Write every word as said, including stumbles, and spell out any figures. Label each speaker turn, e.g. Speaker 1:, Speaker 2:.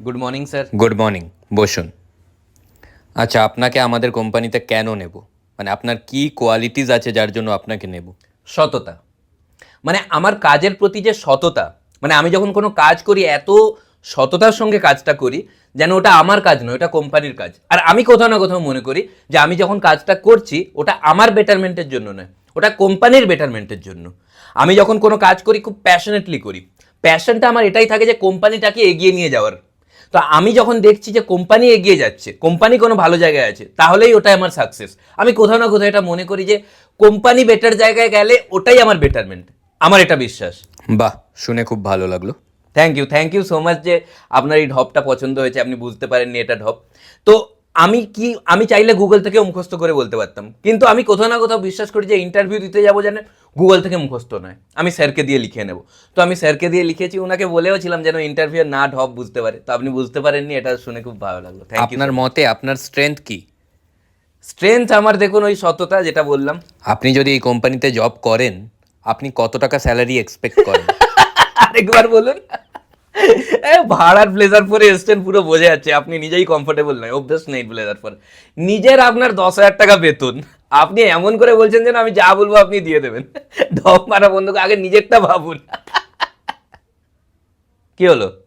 Speaker 1: Good morning sir.
Speaker 2: Good morning, বসুন। আচ্ছা, আপনাকে আমাদের কোম্পানিতে কেন নেব? মানে আপনার কি কোয়ালিটিস আছে যার জন্য আপনাকে নেব?
Speaker 1: সততা, মানে আমার কাজের প্রতি যে সততা, মানে আমি যখন কোনো কাজ করি এত সততার সঙ্গে কাজটা করি যেন ওটা আমার কাজ নয়, ওটা কোম্পানির কাজ। আর আমি কোথাও না কোথাও মনে করি যে আমি যখন কাজটা করছি ওটা আমার বেটারমেন্টের জন্য নয়, ওটা কোম্পানির বেটারমেন্টের জন্য। আমি যখন কোনো কাজ করি খুব প্যাশনেটলি করি, প্যাশনটা আমার এটাই থাকে যে কোম্পানিটাকে এগিয়ে নিয়ে যাওয়ার। তো আমি যখন দেখছি যে কোম্পানি এগিয়ে যাচ্ছে, কোম্পানি কোনো ভালো জায়গায় আছে, তাহলেই ওটাই আমার সাকসেস। আমি কোথাও না কোথাও এটা মনে করি যে কোম্পানি বেটার জায়গায় গেলে ওটাই আমার বেটারমেন্ট, আমার এটা বিশ্বাস।
Speaker 2: বাহ, শুনে খুব ভালো লাগলো।
Speaker 1: Thank you, thank you so much যে আপনার এই ঢপটা পছন্দ হয়েছে, আপনি বুঝতে পারেননি এটা ঢপ। তো আমি কি আমি চাইলে গুগল থেকে মুখস্থ করে বলতে পারতাম, কিন্তু আমি কোথাও না কোথাও বিশ্বাস করি যে ইন্টারভিউ দিতে যাবো যেন গুগল থেকে মুখস্থ নয়, আমি স্যারকে দিয়ে লিখে নেব। তো আমি স্যারকে দিয়ে লিখেছি, ওনাকে বলেও ছিলাম যেন ইন্টারভিউ না ঢপ বুঝতে পারে। তো আপনি বুঝতে পারেননি, এটা শুনে খুব ভালো লাগলো। Thank you.
Speaker 2: আপনার মতে আপনার স্ট্রেংথ কি?
Speaker 1: স্ট্রেংথ আমার দেখুন ওই সততা, যেটা বললাম।
Speaker 2: আপনি যদি এই কোম্পানিতে জব করেন, আপনি কত টাকা স্যালারি এক্সপেক্ট করেন?
Speaker 1: আরেকবার বলুন। এ, ভাড়ার ব্লেজার পরে এসছেন, পুরো বোঝা যাচ্ছে আপনি নিজেই কমফোর্টেবল নয়, অভ্যাস নেই ব্লেজার পরে। নিজের আপনার দশ হাজার টাকা বেতন, আপনি এমন করে বলছেন যেন আমি যা বলবো আপনি দিয়ে দেবেন। ঢপ মারা বন্ধু, আগে নিজেরটা ভাবুন। কি হলো?